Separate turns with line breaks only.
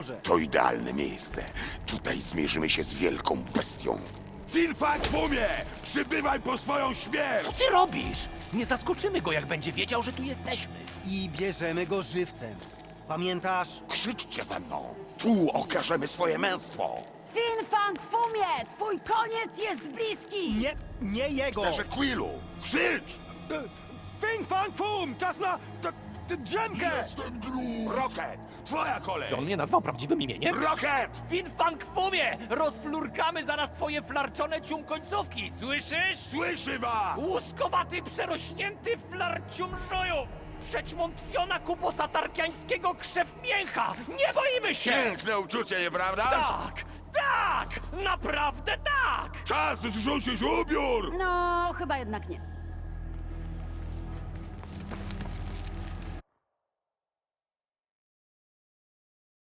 To idealne miejsce. Tutaj zmierzymy się z wielką bestią. Finfang Fumie! Przybywaj po swoją śmierć!
Co ty robisz? Nie zaskoczymy go, jak będzie wiedział, że tu jesteśmy.
I bierzemy go żywcem. Pamiętasz?
Krzyczcie ze mną! Tu okażemy swoje męstwo!
Finfang Fumie! Twój koniec jest bliski!
Nie jego!
Sterze Quillu! Krzycz!
Fing Fang Fum! Czas na drzemkę!
Rocket! Twoja kolej!
Czy on mnie nazwał prawdziwym imieniem?
Rocket!
Finfang Fumie! Rozflurkamy zaraz twoje flarczone ciumkońcówki, słyszysz?
Słyszy was!
Łuskowaty, przerośnięty flarciumżoju! Przećmątwiona kupo satarkiańskiego krzew mięcha! Nie boimy się!
Piękne uczucie, nieprawda?
Tak! Tak! Naprawdę tak!
Czas zrzucić ubiór!
No, chyba jednak nie.